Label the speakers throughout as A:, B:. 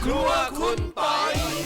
A: รัวคุณปอย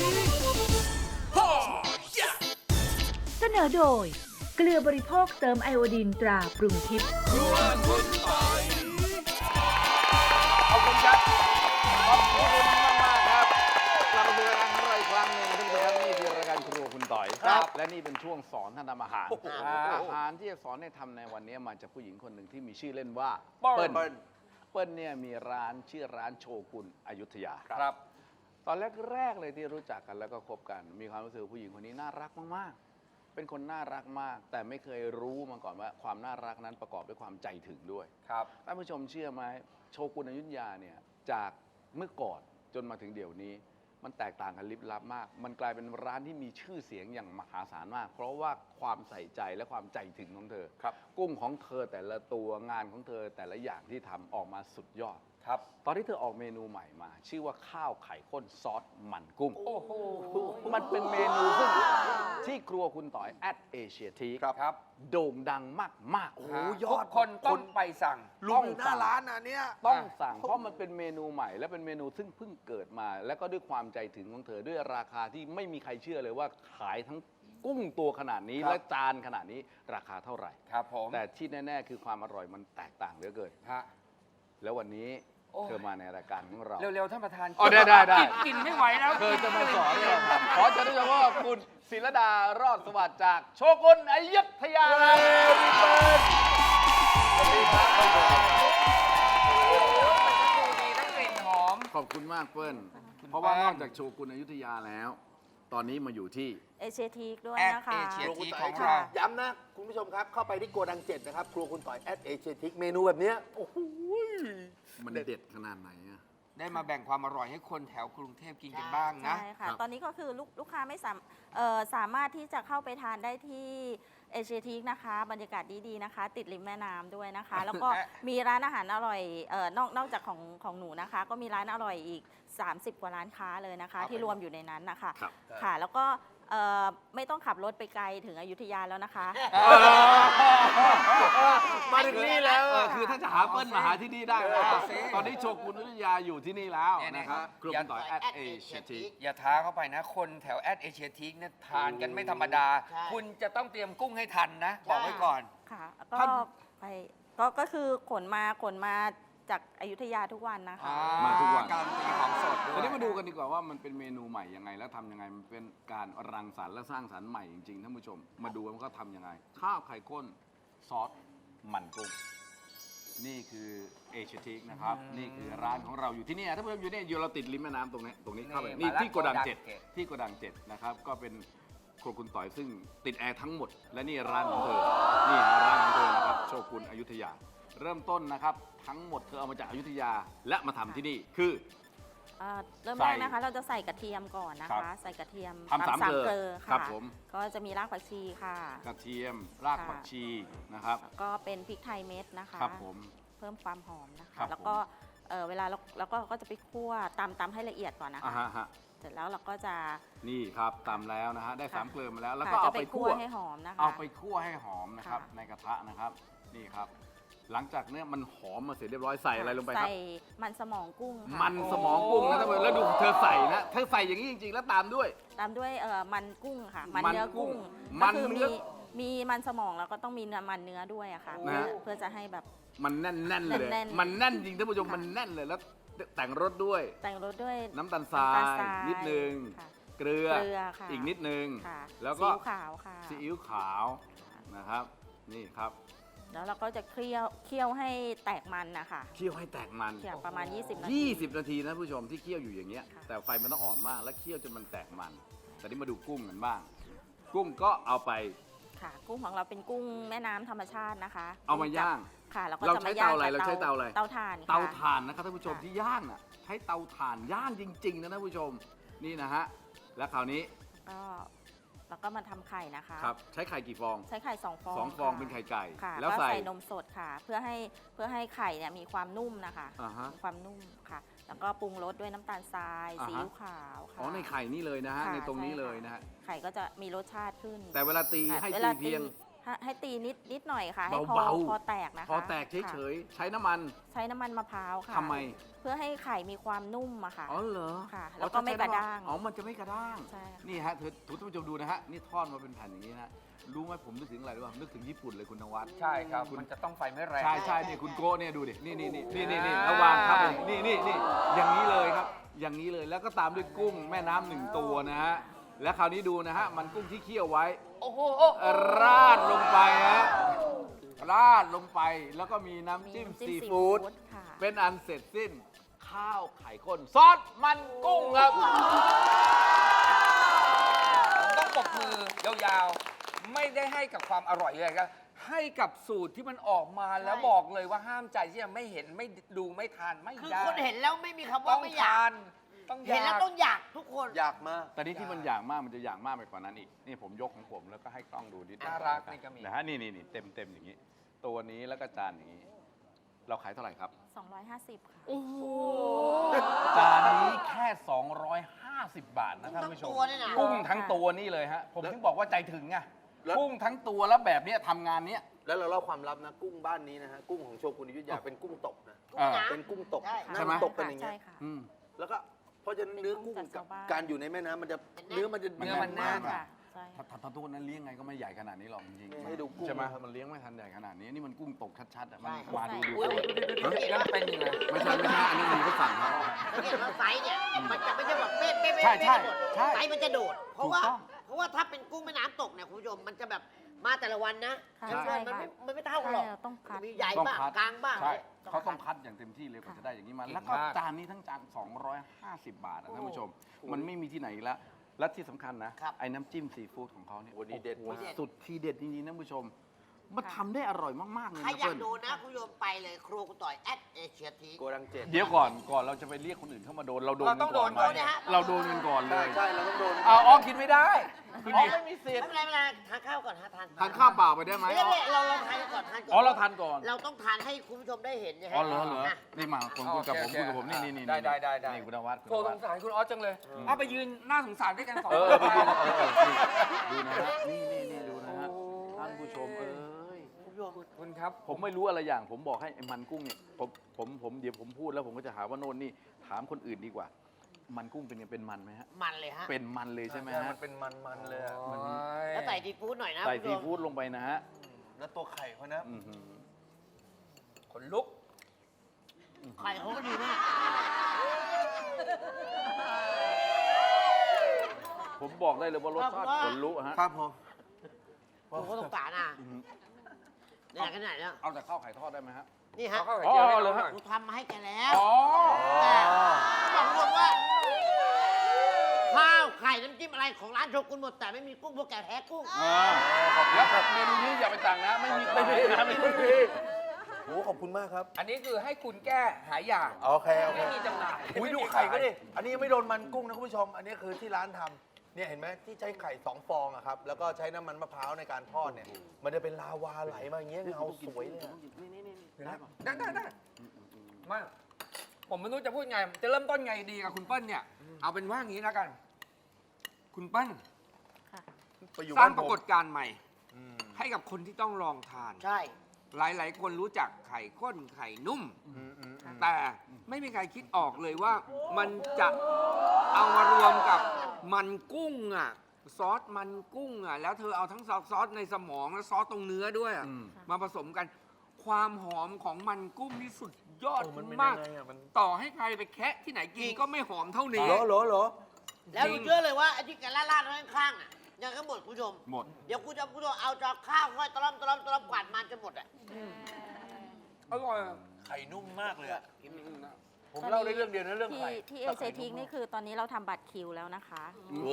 B: เสนอโดยเกลือบริโภคเติมไอโอดีนตราปรุงทิพย์
A: ครัวคุณปอย
C: ขอบคุณครับ ขอบคุณมากๆครับกลับมาสู่รายการของเราอีกครั้งหนึ่งท่านผู้ชมครับนี่คือรายการครัวคุณต่อย
A: ครับ
C: และนี่เป็นช่วงสอนท่านทำอาหาร
A: โอ้โห
C: อาหารที่จะสอนให้ทำในวันนี้มาจากผู้หญิงคนหนึ่งที่มีชื่อเล่นว่า
A: เปิ้
C: เปิ้
A: ล
C: ลเปิ้ลเนี่ยมีร้านชื่อร้านโชกุนอยุธยา
A: ครับ
C: ตอนแรกๆเลยที่รู้จักกันแล้วก็คบกัน มีความรู้สึกว่าผู้หญิงคนนี้น่ารักมากๆ เป็นคนน่ารักมาก แต่ไม่เคยรู้มาก่อนว่าความน่ารักนั้นประกอบด้วยความใจถึงด้วย
A: ครับ
C: ท่านผู้ชมเชื่อไหมโชกุนอยุธยาเนี่ยจากเมื่อก่อนจนมาถึงเดี๋ยวนี้ มันแตกต่างกันลิบลับมาก มันกลายเป็นร้านที่มีชื่อเสียงอย่างมหาศาลมาก เพราะว่าความใส่ใจและความใจถึงของเธอ
A: ครับ
C: กุ้งของเธอแต่ละตัวงานของเธอแต่ละอย่างที่ทำออกมาสุดยอด
A: ครับ
C: ตอนที่เธอออกเมนูใหม่มา ชื่อว่าข้าวไข่ข้นซอสมันกุ้ง
A: โอ้โห
C: มันเป็นเมนูซึ่งที่ครัวคุณต่อยแอดเอเชียที
A: ครับ
C: โด่งดังมากๆ
A: โอ้
C: โอ้
A: ยอดทุกคนต้องไปสั่ง
C: ลุงอยู่หน้าร้าน
A: นะเนี่ย
C: ต้องสั่งเพราะมันเป็นเมนูใหม่ และเป็นเมนูซึ่งเพิ่งเกิดมา แล้วก็ด้วยความใจถึงของเธอด้วยราคาที่ไม่มีใครเชื่อเลยว่าขายทั้งกุ้งตัวขนาดนี้
A: ครับ
C: และจานขนาดนี้ราคาเท่าไหร่
A: ครับผม
C: แต่ที่แน่ๆคือความอร่อยมันแตกต่างเหลือเกิน
A: ฮะ
C: แล้ววันนี้
A: โอ้ย
C: เธอมาในรายการของเรา
A: เร็วๆท่านประธาน
C: อ๋อได้
A: กินไม่ไหวแล้ว
C: เธอจะมาสอนเราครับขอเชิญท่านผู้ชมว่าคุณศิรดารอดสวัสดิ์จากโชกุนอยุธยาสวัสดีครับ
A: ดีทั้งกลิ่นหอม
C: ขอบคุณมากเปิ้ลเพราะว่านอกจากโชกุนอยุธยาแล้ว ตอนนี้มาอยู่ที่
D: เอเชียทีกด้วย
A: แอด
D: นะคะ
A: เอเชีย
E: ครัว
A: ที
E: คุณ
A: ข
E: ต่
A: อ
E: อง ย
A: เรา
E: ย้ำนะ คุณผู้ชมครับ เข้าไปที่โกดัง 7 นะครับ ครัวคุณต่อยแอดเอเชียทิกเมนูแบบเนี้ยโอ้โห
C: มันเด็ดขนาดไหนอะ
A: ได้มาแบ่งความอร่อยให้คนแถวกรุงเทพกินกันบ้างนะ
D: ใช่ค่ะ
C: ครับ
D: ตอนนี้ก็คือลูกค้าไม่สามารถที่จะเข้าไปทานได้ที่เอเชียทีกนะคะ บรรยากาศดีๆนะคะ ติดริมแม่น้ำด้วยนะคะ แล้วก็มีร้านอาหารอร่อยนอกจากของหนูนะคะ ก็มีร้านอร่อยอีก 30 กว่าร้านค้าเลยนะคะ ที่รวมอยู่ในนั้นนะคะ
C: ครับ
D: ค่ะ แล้วก็ไม่ต้องขับรถไปไกลถึงอยุธยาแล้วนะคะ
E: มาถึงนี่แล้ว
C: คือถ้าจะหาเปิ้ลมาหาที่นี่ได้นะ
A: เอาสิ
C: ตอนนี้โชกุนอยุธยาอยู่ที่นี่แล้ว
A: เนี่ย
C: นะครับ
A: เนี่ย
C: ครัวคุณต่อยแอดเอเชียที
A: อย่าท้าเข้าไปนะ คนแถวแอดเอเชียทีกเนี่ยทานกันไม่ธรรมดา
E: ใช่
A: คุณจะต้องเตรียมกุ้งให้ทันนะ บอกไว้ก่อน
D: ค่ะก็
C: ท่าน
D: ไปก็คือขนมาจากอยุธยาทุกวันนะคะ
C: มาทุกวัน
A: การันตีของสดด้วย
C: ทีนี้มาดูกันดีกว่าว่ามันเป็นเมนูใหม่ยังไง แล้วทำยังไงมันเป็นการรังสรรค์และสร้างสรรค์ใหม่จริงๆท่านผู้ชม มาดูว่าเขาทำยังไง ข้าวไข่ข้นซอสมันกุ้งนี่คือเอเชียทีกนะครับนี่คือร้านของเราอยู่ที่นี่ท่านผู้ชมอยู่นี่อยู่เราติดริมแม่น้ำตรงนี้เข้าไปนี่ที่โกดัง 7ที่โกดัง7นะครับก็เป็นครัวคุณต่อยซึ่งติดแอร์ทั้งหมด และนี่ร้านของเธอนี่ร้านของเธอนะครับโชกุนอยุธยา เริ่มต้นนะครับทั้งหมดเธอเอามาจากอยุธยาและมาทำที่นี่คือ
D: เริ่ม
C: ใส่
D: แรกนะคะ เราจะใส่กระเทียมก่อนนะ
C: ครั
D: คะ
C: บ
D: ใส่กระเทียม
C: ทำสามเกลอ
D: ค่ะ
C: ครับผม
D: ก็จะมีรากผักชีค่ะ
C: กระเทียมรากผักชีนะครับ
D: แล้วก็เป็นพริกไทยเม็ดนะคะ
C: ครับผม
D: เพิ่มความหอมนะ
C: ครั
D: คะ
C: บ
D: แล้วก็เวลาเราก็จะไปคั่วตำให้ละเอียดก่อนนะ
C: อ่า
D: คะ
C: ฮะ
D: เสร็จแล้วเราก็จะ
C: นี่ครับตำแล้วนะฮะได้
D: ค่ะ
C: สามเกลือมาแล้วแล้ว
D: ค่ะ
C: ก็เอา
D: จะ
C: ไปคั่ว
D: ให้หอมนะคะ
C: เอาไปคั่วให้หอมนะครับ
D: ค่ะ
C: ในกระทะนะครับนี่ครับ หลังจากเนี้ยมันหอมมาเสร็จเรียบร้อยใส่อะไรลงไปครับ
D: ใส่มันสมองกุ้งค่ะ
C: มันสมองกุ้งนะท่านผู้ชมแล้วดูเธอใส่นะเธอใส่อย่างนี้จริงๆ แล้วตามด้วย
D: ตามด้วยมันกุ้งค่ะ มัน
C: มัน
D: เนื้อ
C: กุ้
D: กุ้
C: ง
D: ง
C: มั
D: ก็
C: น
D: คือ
C: เนื้อ
D: มีมันสมองแล้วก็ต้องมีมันเนื้อด้วยอะค่ะ
C: นะ
D: เพื่อจะให้แบบ
C: มันแน่นๆเลย
D: แน่นๆ
C: มันแน่นจริงท่านผู้ชม
D: ค่ะ
C: มันแน่นเลยแล้วแต่งรสด้วย
D: แต่งรสด้วย
C: น้ำตาลทรายนิดนึง
D: ค่ะ
C: เกลือ
D: เกลือค่ะ
C: อีกนิดนึง
D: ค่ะ
C: แล้วก็
D: ซีอิ๊วขาวค่ะ
C: ซีอิ๊วขาวนะครับ นี่ครับ
D: แล้วเราก็จะเคี่ยวให้แตกมันนะคะ
C: เคี่ยวให้แตกมัน
D: เคี่ยวประมาณ 20 นาที
C: 20 นาทีนะผู้ชมที่เคี่ยวอยู่อย่างเงี้ย
D: ค่ะ
C: แต่ไฟมันต้องอ่อนมากแล้วเคี่ยวจนมันแตกมัน แต่นี่มาดูกุ้งกันบ้าง กุ้งก็เอาไป
D: ค่ะ กุ้งของเราเป็นกุ้งแม่น้ำธรรมชาตินะคะ
C: เอามาย่าง
D: ค่ะแล้วก็
C: เรา
D: จะ
C: ใช้
D: มาย่าง
C: เตาอะไร
D: กับ
C: เราใช้เตาอะไร
D: เตาถ่านค่ะ
C: เตาถ่านนะครับท่านผู้ชม
D: ค่ะ
C: ที่ย่างน่ะใช้เตาถ่านย่างจริง ๆ นะท่านผู้ชมนี่นะฮะแล้วคราวนี้
D: ก็แล้วก็มาทำไข่นะคะ
C: ครับใช้ไข่กี่ฟอง
D: ใช้ไข่2 ฟอง
C: สองฟอง
D: ค่ะ
C: เป็นไข่ไก่
D: ค่ะ
C: แล้ว
D: ก็
C: ใส่
D: ใส่นมสดค่ะ เพื่อให้ไข่เนี่ยมีความนุ่มนะคะ
C: อ่าฮะ
D: มีความนุ่มค่ะ แล้วก็ปรุงรสด้วยน้ำตาลทราย
C: อ่าฮะ
D: ซีอิ๊วขาวค่ะ
C: อ๋อในไข่นี่เลยนะฮะ
D: ค่ะ
C: ในตรงนี้
D: ใช่
C: เลยนะฮะ
D: ไข่ก็จะมีรสชาติขึ้น
C: แต่เวลาตี
D: ค่ะ
C: ให้
D: เว
C: ตี
D: ลา
C: เพียง
D: ให้ตีนิดหน่อยค่ะ ให้
C: เบาๆ
D: พอแตกนะคะ
C: พอแตกเฉยๆใช้น้ำมัน
D: ๆใช้น้ำมันมะพร้าวค่ะ
C: ทำไม
D: เพื่อให้ไข่มีความนุ่มอะค่ะ
C: อ๋อเหรอ
D: ค่ะแล้วก็ไม่กระด้าง
C: อ๋อมันจะไม่กระด้าง
D: ใช่ค่ะ
C: นี่ฮะทุกท่านผู้ชมดูนะฮะนี่ทอดมาเป็นแผ่นอย่างนี้นะรู้ไหมผมนึกถึงอะไรรู้ป่ะนึกถึงญี่ปุ่นเลยคุณนวัด
A: ใช่ครับ มันจะต้องไฟไม่แรง
C: ใช่นี่คุณโก้เนี่ยดูดินี่ระวางครับนี่อย่างนี้เลยครับ อย่างนี้เลยแล้วก็ตามด้วยกุ้งแม่น้ำหนึ่งตัวนะฮะและคราวนี้ดูนะฮะมันกุ้งที่เคี่ยวไว้
A: โอ้โห
C: ราดลงไปฮะราดลงไปแล้วก็มีน้ำจิ้ม
D: น้ำจิ้ม
C: ซีฟู้ด
D: ค่ะ
C: เป็นอันเสร็จสิ้นข้าวไข่ข้นซอสมันกุ้งครับ
A: ผมต้องปรบมือยาวๆ ไม่ได้ให้กับความอร่อยเลยครับ ให้กับสูตรที่มันออกมาแล้วบอกเลยว่าห้ามใจที่จะไม่เห็นไม่ดูไม่ทานไม่
F: คือ
A: ได้
F: คนเห็นแล้วไม่มีคำ
A: ต้
F: ว่า
A: อง
F: ไม่อยา
A: ทาก นต้องอ
F: เห็น
A: ยา
F: แล้ว
A: ก
F: ต้องอยากทุกคน
E: อยากมาก
C: แต่นี่ที่มันอย่างมากมันจะอย่างมากไปกว่านั้นอีกนี่ผมยกของผมแล้วก็ให้กล้องดูนิดนึง
A: น่ารักนี่ก็มี
C: นะฮะนี่เต็มอย่างนี้ ตัวนี้แล้วก็จานอย่างนี้ เราขายเท่าไหร่ครับ
D: 250 ค่ะ
C: จานนี้แค่ 250 บาทนะท่านผู้ชม
F: กุ้งทั้งตัวเนี่ยนะ
C: กุ้งทั้งตัวนี่เลยฮะผมถึงบอกว่าใจถึงไง
E: แล้ว
C: กุ้งทั้งตัวแล้วแบบเนี้ยทำงานเนี้ย
E: แล้วเราเล่าความลับนะกุ้งบ้านนี้นะฮะกุ้งของโชกุนอยุธยาเป็นกุ้งตกนะ
C: อ่า
E: เป็นกุ้งตก
F: ใช่
E: นั่
C: ใช่
E: ง
C: ไหม
E: ตกกันอย่างเงี้
D: ใช่
E: ย
D: ค่ะ
C: อืม
E: แล้วก็เพราะฉะนั้นเนื้อกุ้ง
D: เป็นกุ้งจาก
E: กับ
D: ชาวบ้าน
E: การอยู่ในแม่น้ำมันจะเนื้อมันจะ
C: มัน
A: เนื้อมันแน่น
E: มาก
D: ค่ะใช่
C: ถ้าตัวนั้นเลี้ยงไงก็ไม่ใหญ่ขนาดนี้หรอกจริงๆ
E: ให้ดูกุ้ง
C: ใช่ไหม
E: นะครับ
C: มันเลี้ยงไม่ทันใหญ่ขนาดนี้นี่มันกุ้งตกชัดๆอ่ะมัน
F: ใช่
C: มาดู
F: อุ้ย
A: ยังเป็นยังไง
C: ไม่ใช่อันนี้มีก็สั่งครับ
F: สังเกตว่าไซส์เนี่ยมันจะไม่ใช่แบบเป๊ะเป๊ะ
C: ใช่
F: เป๊ะ
C: ใช่
F: หมด
C: ใช่
F: ไซส์มันจะโดด เพราะว่า
C: ถูกต้อง
F: เพราะว่าถ้าเป็นกุ้งแม่น้ำตกเนี่ยคุณผู้ชมมันจะแบบมาแต่ละวันนะ
D: ค่ะ
F: จำนวนมัน
D: ใช่
F: มันไม่เท่ากันหรอก
D: ใช่เราต้องคัด
F: มีใหญ่
C: ต้อง
F: บ้าง
C: คัด
F: กลางบ้าง
C: ใช่
F: ต้อง
C: เขาต้อง
F: คัด
C: คัดอย่างเต็มที่เลยกว่าจะได้อย่างนี้มา
A: เก่ง
C: แล้วก็
A: มาก
C: จานนี้ทั้งจาน250 บาทนะท่านผู้ชม มันไม่มีที่ไหนอีกแล้วและที่สำคัญนะครับ ไอ้น้ำจิ้มซีฟู้ดของเขาเนี่ย
E: โอ้ดีเด็ด
C: โอ้โห
E: มาก
C: สุดทีเด็ดจริงๆนะท่านผู้ชม มันทำได้อร่อยมากๆเลย
F: ใคร
C: นะ
F: อยาก
C: เปิ้ล
F: ดูนะคุณผู้ชมไปเลยครัวคุณต่อยเอเชียที
E: โกดังเจ็ด
C: เดี๋ยวก่อนเราจะไปเรียกคนอื่นเข้ามาโดนเราโดน
A: เราต้องโดน
C: ไหม
F: ก่อนนะฮะ
C: เราโดนกันก่อนเล
E: ใช่
C: ย
E: ใช่เราต้องโดน
C: อ๋อกินไม่ได้อ๋อไม่มีสิท
F: ไม่
C: ธิ์
F: เป็นไรทานข้าวก่อนฮะทาน
C: ทานข้าวเปล่าไปได้ไหม
F: ไม่ได้เราทานก่อนทานก่อน
C: อ๋อเราทานก่อน
F: เราต้องทานให้คุณผู้ชมได้เห็นนะฮะ
C: อ๋อเหรอ
F: นะ
C: นี่มาคุยกับผม
A: โอเค
C: คุยกับผมนี่นี่
A: ได้
C: นี่คุณนวัด
A: โทรสงสารคุณออสจังเลย เอาไปยืนหน้าสงสารด้วยกันสอง
C: เอ
A: ค
C: อน ไปดู
A: มา
C: ดูนะฮะนี่ดูนะฮะท่านผู้ชม
A: คุณครับ
C: ผมไม่รู้อะไรอย่าง ผมบอกให้ไอ้มันกุ้งเนี่ยผมเดี๋ยวผมพูดแล้วผมก็จะหาว่าโน่นนี่ถามคนอื่นดีกว่า มันกุ้งเป็นไงเป็นมันไหมฮะ
F: มันเลยฮะ
C: เป็นมันเลยใช่ไหม
E: ใช่
C: ฮะ
E: มันเป็นมันๆเลยอะ
F: แล้วใส่ซีฟู้ดหน่อยนะ
C: ใส่
F: คุณ
C: ซี
F: ผู้ชม
C: ฟู้ดลงไปนะฮะ
E: แล้วตัวไข่เขานะ
C: อื้อหือ
A: ขนลุก
F: ไข่เขาก็ดีมาก
C: ผมบอกได้เลยว่ารสชาติขนลุกฮะ
E: ครับผม
F: ผมก็ต้องการอ่ะเนี่ยขนาดเนี้ย
C: เอาแต่ข้าวไข่ทอดได้ไหมฮะ
F: นี่ฮะ
A: เอาเข้าไข่
C: อ๋อ
A: เจียวให้
C: เหร
A: เรา
C: อ
A: ห
C: ฮะ
A: น่อย
F: กูทำมาให้แกแล้ว
C: อ๋อ
F: แต่บอกคุณผู้ชมว่าข้าวไข่น้ำจิ้มอะไรของร้านโชกุนหมดแต่ไม่มีกุ้งพวกแกแพ้กุ้ง
C: แล้วเมนูนี้อย่าไปสั่งนะ ไม่มีไม่มีนะไม่มี
E: โอ้ขอบคุณมากครับ
A: อันนี้คือให้คุณแก้หายอยาก
E: โอเคโอเค
A: ไม่มีจำหน่าย
E: อุ้ยดูไข่ก็ดิ อันนี้ยังไม่โดนมันกุ้งนะคุณผู้ชม อันนี้คือที่ร้านทำเนี่ยเห็นไหมที่ใช้ไข่2 ฟองอะครับ แล้วก็ใช้น้ำมันมะพร้าวในการทอดเนี่ย มันจะเป็นลาวาไหลมาอย่างเงี้ยเงาสวยเลยอะ
A: ได้มากผมไม่รู้จะพูดไง จะเริ่มต้นไงดีกับคุณเปิ้ลเนี่ย เอาเป็นว่างี้แล้วกัน คุณเปิ้ล
D: ค่ะ
E: ไปอยู่
A: สร้าง
E: บ้น
A: ป
E: ผม
A: รากฏการณ์ใหม่
E: อืม
A: ให้กับคนที่ต้องลองทาน
F: ใช่
A: หลาย ๆ คนรู้จักไข่ข้นไข่นุ่ม
E: อืม
A: แต่ไม่มีใครคิดออกเลยว่ามันจะเอามารวมกับมันกุ้งอ่ะซอสมันกุ้งอ่ะแล้วเธอเอาทั้งซอสในสมองและซอสตรงเนื้อด้วยอะ
C: อืม
A: มาผสมกัน ความหอมของมันกุ้งนี่สุดยอด
E: มันเป็น
A: มาก
E: ยังไงอะมัน
A: ต่อให้ใครไปแคะที่ไหนกินก็ไม่หอมเท่านี้
E: เหรอเหรอเหรอ
F: แล้ว
A: จริ
F: ดู
A: ง
F: เชื่อเลยว่าไอ้ที่แกล่าดๆไว้ข้างๆอ่ะยังก็หมดคุณผู้ชม
C: หมด
F: เดี๋ยวคุณผู้ชมเอาจอกข้าวค่อยตะล่อมกวาดมันจนหมดอ่ะ
A: อร่อย
E: ไข่นุ่มมากเลยอะผมเล่าได้เรื่องเดียวนะเรื่องไข่
D: ที่เอเชียทิกนี่คือตอนนี้เราทำบัตรคิวแล้วนะคะ
E: โอ้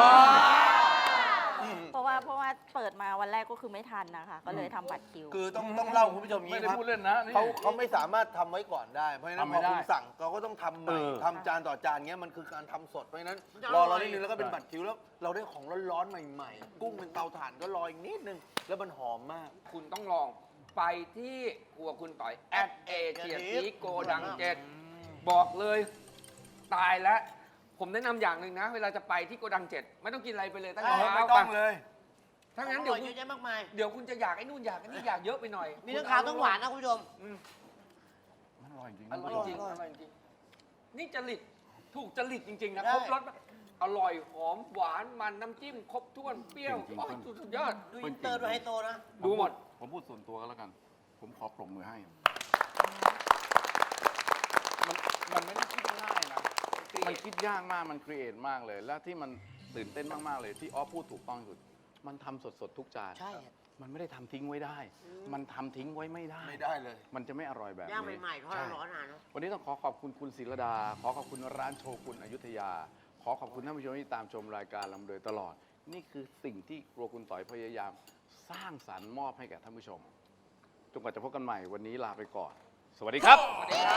D: เพราะว่าเปิดมาวันแรกก็คือไม่ทันนะคะ ก็เลยทำบัตรคิว
E: คือต้องเล่าคุณผู้ชมอย่าง
C: ไม่
E: นี้
C: ได้
E: ครับ
C: พูดเล่นนะนี่
E: เขาไม่สามารถทำไว้ก่อนได้ เพราะฉะนั้น
C: ทำ
E: พ
C: ไม่
E: อ
C: ได้
E: คุณสั่งเขาก็ต้องทำใหม่
C: เออ
E: ทำจานต่อจานเงี้ยมันคือการทำสด เพราะฉะนั้น
F: มันจะ
E: รอ
F: อร่
E: เรา
F: อย
E: นิดนึงแล้วก็เป็นบัตรคิวแล้วเราได้ของร้อนๆใหม่ๆ กุ้งเป็นเตาถ่านก็รออีกนิดนึง แล้วมันหอมมาก
A: คุณต้องลองไปที่ครัวคุณต่อยเอเชียทีโกดังเจ็ดบอกเลยตายแล้ว ผมแนะนำอย่างหนึ่งนะ เวลาจะไปที่โกดังเจ็ดไม่ต้องกินอะไรไปเลยตั้งแต่เช้า
E: ไม่ต้องเลย
A: ถ้างั้น
F: อ
A: เดี๋
F: ร่
A: ย
F: อ
A: วย
F: เยอะแยะมากมาย
A: เดี๋ยวคุณจะอยากไอ้นู่นอยากไอ้นี่อยากเยอะไปหน่อย
F: มีทั้งขาวทั้งหวานนะคุณผู้ชม
C: มันอร่อยจริง
A: อร่อยจริง
F: อร่อย
A: อร่อยจริงนี่จริตถูกจริตจริง ๆ นะ
F: ได้
A: ครบรสอร่อยหอมหวานมันน้ำจิ้มครบถ้วนเปรี้ยวโอ้ยสุดยอด
F: ดูอินเตอร์ดูไฮโซนะ
A: ดูหมด
C: ผมพูดส่วนตัวก็แล้วกัน ผมขอปรบมือให้ มันไม่ได้คิดง่ายนะ มันคิดยากมาก มันครีเอทมากเลย และที่มันตื่นเต้นมาก ๆ เลย ที่ออฟพูดถูกต้องที่สุด มันทำสด ๆ ทุกจาน
F: ใช่
C: มันไม่ได้ทำทิ้งไว้ได้ มันทำทิ้งไว้ไม่ได้
E: ไม่ได้เลย
C: มันจะไม่อร่อยแบบนี้
F: ย่างใหม่ๆทอด
C: ใช่
F: ร้อนๆนานเนอะ
C: วันนี้ต้องขอขอบคุณคุณศิรดา ขอขอบคุณร้านโชกุนอยุธยา ขอขอบคุณท่านผู้ชมที่ตามชมรายการเรามาโดยตลอด นี่คือสิ่งที่ครัวคุณต่อยพยายามสร้างสรรค์มอบให้แก่ท่านผู้ชม จนกว่าจะพบกันใหม่วันนี้ลาไปก่อน สวัสดีครับ
A: สวัสดีครับ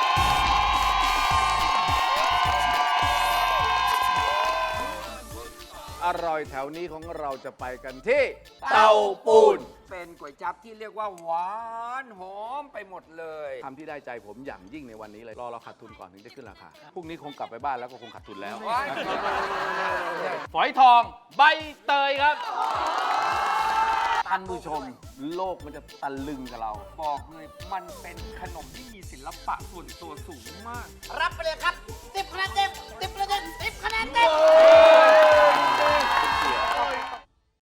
C: อร่อยแถวนี้ของเราจะไปกันที่เตาปูน
A: เป็นก๋วยจั๊บที่เรียกว่าหวานหอมไปหมดเลย
C: ทำที่ได้ใจผมอย่างยิ่งในวันนี้เลย รอเราขาดทุนก่อนถึงจะขึ้นราคา พรุ่งนี้คงกลับไปบ้านแล้วก็คงขาดทุนแล้ว
A: ว้าย
C: ฝอยทองใบเตยครับท่านผู้ชม โลกมันจะตะลึงกับเรา
A: บอกเลยมันเป็นขนมที่มีศิลปะส่วนตัวสูงมาก
F: รับไปเลย